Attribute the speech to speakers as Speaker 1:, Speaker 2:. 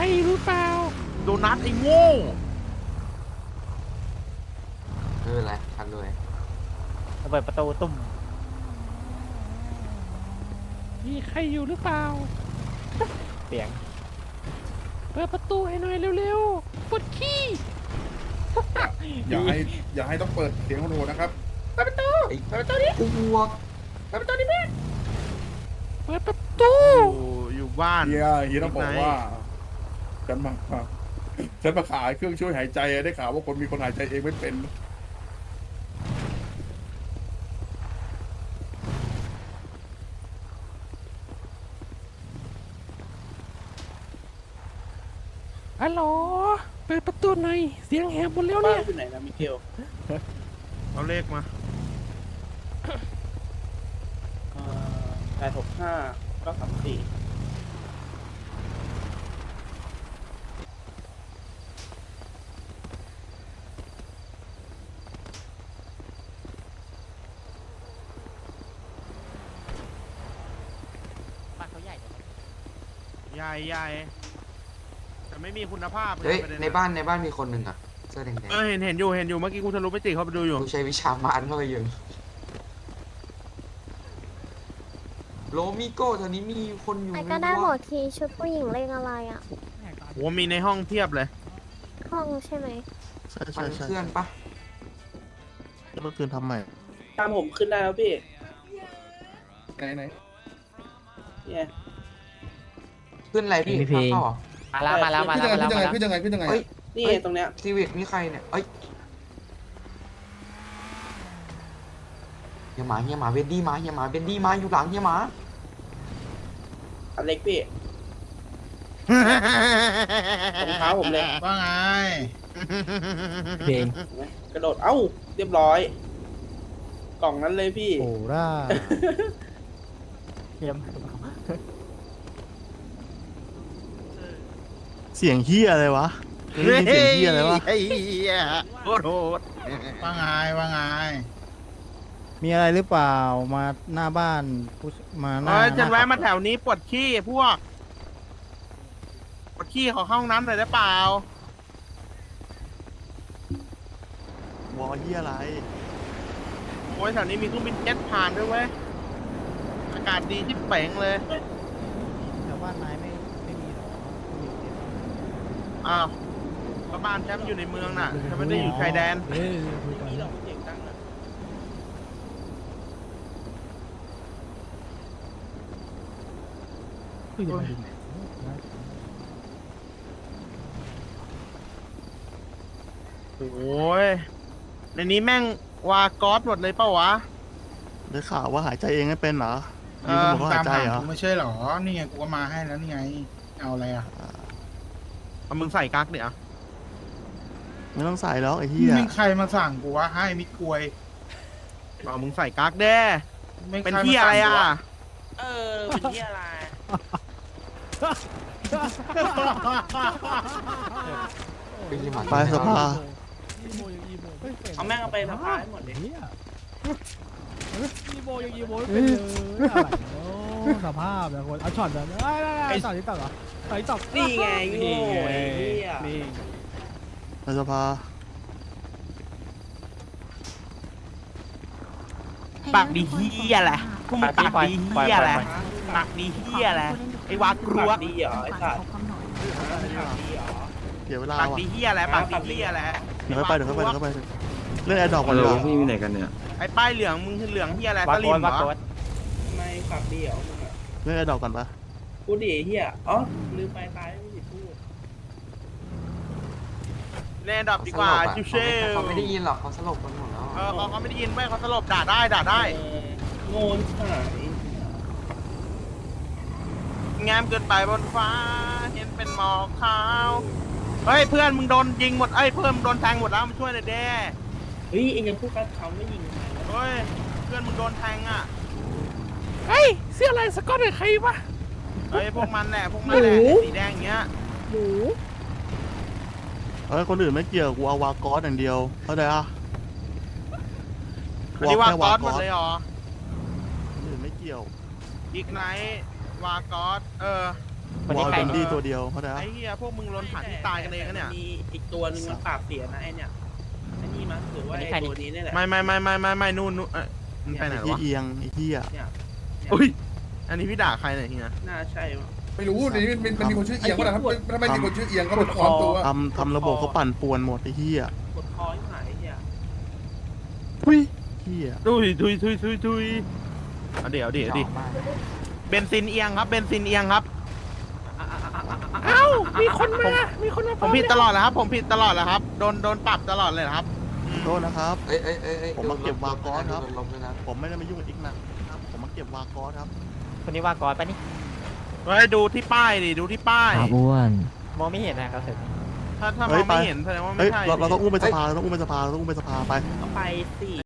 Speaker 1: รหรือเปล่า
Speaker 2: โดนัทไอ้โง่
Speaker 3: ไม่เป็นไรทันเลย
Speaker 4: ระเบิดประตูตุ่ม
Speaker 1: มีใครอยู่หรือเปล่า
Speaker 4: เสียง
Speaker 1: เปิดประตูให้หน่อยเร็วๆปวดขี้
Speaker 5: อย่าให้ต้องเปิดเสียงโหดๆนะครับ
Speaker 3: ไอ้อ้วก
Speaker 1: เปิดประตู
Speaker 2: อยู่บ้าน
Speaker 5: เฮียต้องบอกว่าฉันมาขายเครื่องช่วยหายใจได้ข่าวว่าคนมีคนหายใจเองไม่เป็น
Speaker 1: ฮัลโหลเปิดประตูหน่อยเสียงแหบหมดแล้วเนี่ย
Speaker 6: อยู่ไหนนะมิเกล
Speaker 2: เอาเลขมา
Speaker 6: 865 934
Speaker 4: บ้านเขาใหญ่จัง
Speaker 2: ใหญ่แต่ไม่มีคุณภาพ
Speaker 3: เฮ้ย
Speaker 2: ประด็
Speaker 3: ในบ้านมีคนหนึ่งอะเสื้อแดง
Speaker 2: เห็นอยู่เมื่อกี้กูทะลุไปติเข้าไปดูอยู่
Speaker 3: ๆกูใช้วิชามารเข้าไปยิงโลมิโก้แถวนี้มีคนอยู่
Speaker 7: ไอ้
Speaker 3: ไหม
Speaker 7: ก็ได้หม
Speaker 3: วะ
Speaker 7: ดทีชุดผู้หญิงเลขอะไรอ่ะ
Speaker 2: โหมีในห้องเทียบเลย
Speaker 7: ห้องใช่ไหม
Speaker 8: ใช่
Speaker 3: มั
Speaker 8: ใช่
Speaker 3: น
Speaker 8: ใช่
Speaker 3: เคลื่อนปะ
Speaker 8: เมื่อคืนทำใหม่
Speaker 6: ตามผมขึ้นได้แล้วพี่
Speaker 5: ไหน
Speaker 6: เนี่ย
Speaker 3: ขึ้นอะไรพี่
Speaker 4: มีเพลง
Speaker 3: เข้าเหรอ
Speaker 4: มาแล้ว
Speaker 5: ขึ้นยังไง
Speaker 3: เฮ้ย
Speaker 6: นี่ตรงเนี้ย
Speaker 3: ซีวิกนี่ใครเนี่ยเอ้ยเฮียหมาเวนดี้มาอยู่หลังเฮียหมา
Speaker 6: อันเล็กพี่รองเท้าผมเลย
Speaker 9: ว่าไง
Speaker 4: เพลง
Speaker 6: เห็นไหมกระโดด เอ้า เรียบร้อย กล่องนั้นเลยพี่
Speaker 4: โอ้ร่าเยี่ยม
Speaker 8: เสียงเฮียอะไรวะเฮ้ยเสียงเฮียอะไรวะ
Speaker 2: ไอ้เหี้ยโคตรโหด
Speaker 9: ว่าไง ว่าไง
Speaker 4: มีอะไรหรือเปล่ามาหน้าบ้านมาหน้า
Speaker 2: ฉันแวะมาแถวนี้ปวดขี้พวกปวดขี้ขอเข้าห้องน้ำหน่อยได้เปล่าว
Speaker 8: อเฮียอะไร
Speaker 2: โอ้ยแถวนี้มีเครื่องบินเจ็ตผ่านด้วยเว้ยอากาศดีที่เป๋งเลย
Speaker 4: แถวบ้านนายไม่มีหรอ
Speaker 2: อ้าวก็บ้านแชมป์อยู่ในเมืองน่ะฉันไม่ได้อยู่ชายแดน
Speaker 6: นี่เราเสียงดังนะ
Speaker 2: โอ้ยในนี้แม่งวากอสหมดเลยเปล่าวะ
Speaker 8: ได้ข่าวว่าหายใจเองไม่เป็นเหรอ
Speaker 2: เอ
Speaker 8: ยืน
Speaker 2: อ
Speaker 8: บอกว่า
Speaker 9: ตา
Speaker 8: หาม ยใจ
Speaker 9: หา
Speaker 8: เหรอ
Speaker 9: กูไม่ใช่เหรอ นี่ไงกูก็มาให้แล้วนี่ไง เอาอะไรอ่ะ
Speaker 2: เอามึงใส่กั๊กเดี๋ยว
Speaker 8: ไม่ต้องใส่แล้วไอ้เฮีย
Speaker 9: ไม่ใครมาสั่งกูวะให้มิดกลวย
Speaker 2: เอามึงใส่กั๊กแด้
Speaker 9: ไม่
Speaker 2: เป็น
Speaker 9: ใครมา
Speaker 2: ที่อะไร
Speaker 9: สั่งกู
Speaker 2: อ่ะ
Speaker 9: วะ
Speaker 6: เออ เป็นที่อะไร
Speaker 3: เป็นเฮียหมา
Speaker 8: ไปสภา
Speaker 6: เอาแม่งเอาไปสะพายให้หมดเลย
Speaker 1: อีโมยังอีโมไม่เป็นเลยอะไรเนาะสภาพแบบคนเอาช็อตแบบไอ้ต่อที่ต่อเหรอต่อที่ต่อ
Speaker 6: นี่ไงโง่ไอ้เหี้ย
Speaker 1: นี่
Speaker 8: ไปสภา
Speaker 2: ปากดีเฮียแหละพวกมึงปากดีเฮียแหละปากดีเฮียแหละไอ้วากรวก
Speaker 6: ดีเหรอไอ้สัตว์
Speaker 8: เดี๋ยวเวลา
Speaker 2: ปาก
Speaker 8: ว่ะ
Speaker 2: ดีเฮียแหละปากดีเฮียแหละ
Speaker 8: เดี๋ยวค่อยไปเรื่องแอร์ดรอปก่อนดีกว่า
Speaker 3: พี่มีไหนกันเนี่ย
Speaker 2: ไอ้ป้ายเหลืองมึงคือเหลืองเฮียแหละ
Speaker 4: วา
Speaker 2: ส
Speaker 4: โก
Speaker 2: ลิม
Speaker 4: น
Speaker 2: เหร
Speaker 4: วาโก
Speaker 2: อน
Speaker 6: ทำไมปากดีเหรอมึงอะ
Speaker 8: เรื่องแอร์ดรอปก่อนปะ
Speaker 6: พูดดิไอ้เหี้ย อ๋อ ลืมไปตายไม่ผิดพูด
Speaker 2: เล่นดับดีกว่าชิวเชล
Speaker 3: เขาไม่ได้ยินหรอกเขาสลบกันหมดแล้ว
Speaker 2: เออเขาไม่ได้ยินเว้ยเขาสลบด่าได้
Speaker 6: เออโง่ที่หาย
Speaker 2: แงมเกินไปบนฟ้าเห็นเป็นหมอกขาวเฮ้ยเพื่อนมึงโดนยิงหมดเอ้ยเพื่อนมึงโดนแทงหมดแล้วมาช่วยหน่อยเด้
Speaker 6: เฮ้ยเอ็งยังพูดกับเขาไม่ยิง
Speaker 2: เฮ้ยเพื่อนมึงโดนแทงอ่ะ
Speaker 1: เฮ้ยเสื้อลายสก๊อตเป็นใครวะ
Speaker 2: เฮ้ยพวกมันแหละไอ้สีแดงอย่างเงี้ย
Speaker 1: หมู
Speaker 8: เฮ้ยคนอื่นไม่เกี่ยวกูเอาวากอสอย่างเดียวเข้าใจอ่ะ
Speaker 2: อันนี้ว่ากอสหมดเลยเหรอ
Speaker 8: คนอื่นไม่เกี่ยว
Speaker 2: อีกไนท์วากอส
Speaker 8: กูเอาเดนดี้ตัวเดียวเข้าใจปะ
Speaker 2: ไอ้เหี้ยพวกมึงลนผ่านที่ตายกันเองนะเนี่ย
Speaker 6: มีอีกตัวหนึงมันปราบเสียนะไอเนี่ยไอนี่มั้งหรือว่าไอตัวนี้นี่แหละ
Speaker 2: ไม่นู่นมันไปไหน
Speaker 8: ไอ้
Speaker 2: วะ
Speaker 8: เอียงไอ้เหี้ย
Speaker 6: เนี่ย
Speaker 2: อุ้ยอันนี้พี่ด่าใครเนี่ยเฮีย
Speaker 6: น่าใช่มั้ง
Speaker 5: ไม่รู้นี่มันมีคนชื่อเอียงก็ได้ถ้าไม่มีคนชื่อเอียงก็เป็นความตัว
Speaker 8: ทำระบบเขาปั่นป่วนหมดไอ้เหี้ย
Speaker 6: กดคอที่หายไอ้เหี้ย
Speaker 8: ทุยเหี้ย
Speaker 2: ดุยเอาเดี๋ยวเบนซินเอียงครับเบนซินเอียงครับเอ้ามีคนมาผมผิดตลอดแล้วครับผมผิดตลอดแล้วครับโดนปรับตลอดเลยนะครับ
Speaker 8: โทษนะครับ
Speaker 3: เอ้ย
Speaker 8: ผมมาเก็บวากอนครับ
Speaker 3: โดนลมด้วยนะ
Speaker 8: ผมไม่ได้มายุ่งกับอีกนะครับผมมาเก็บวากอสครับ
Speaker 10: คนนี้ว่ากอดปะนี่
Speaker 2: เฮ้ยดูที่ป้ายดิดูที่ป้าย
Speaker 10: อ้วนมองไม่เห็นนะครับเสร็จ
Speaker 2: ถ้ามองไม่เห็นแสดงว่า
Speaker 8: เฮ้
Speaker 2: ไม่
Speaker 8: ย
Speaker 2: ใช่
Speaker 8: เราต้องอุ้มไปสภาเราต้องอุ้มไปสภาเราต้องอุ้มไปสภาไป
Speaker 6: ก็ไปสิ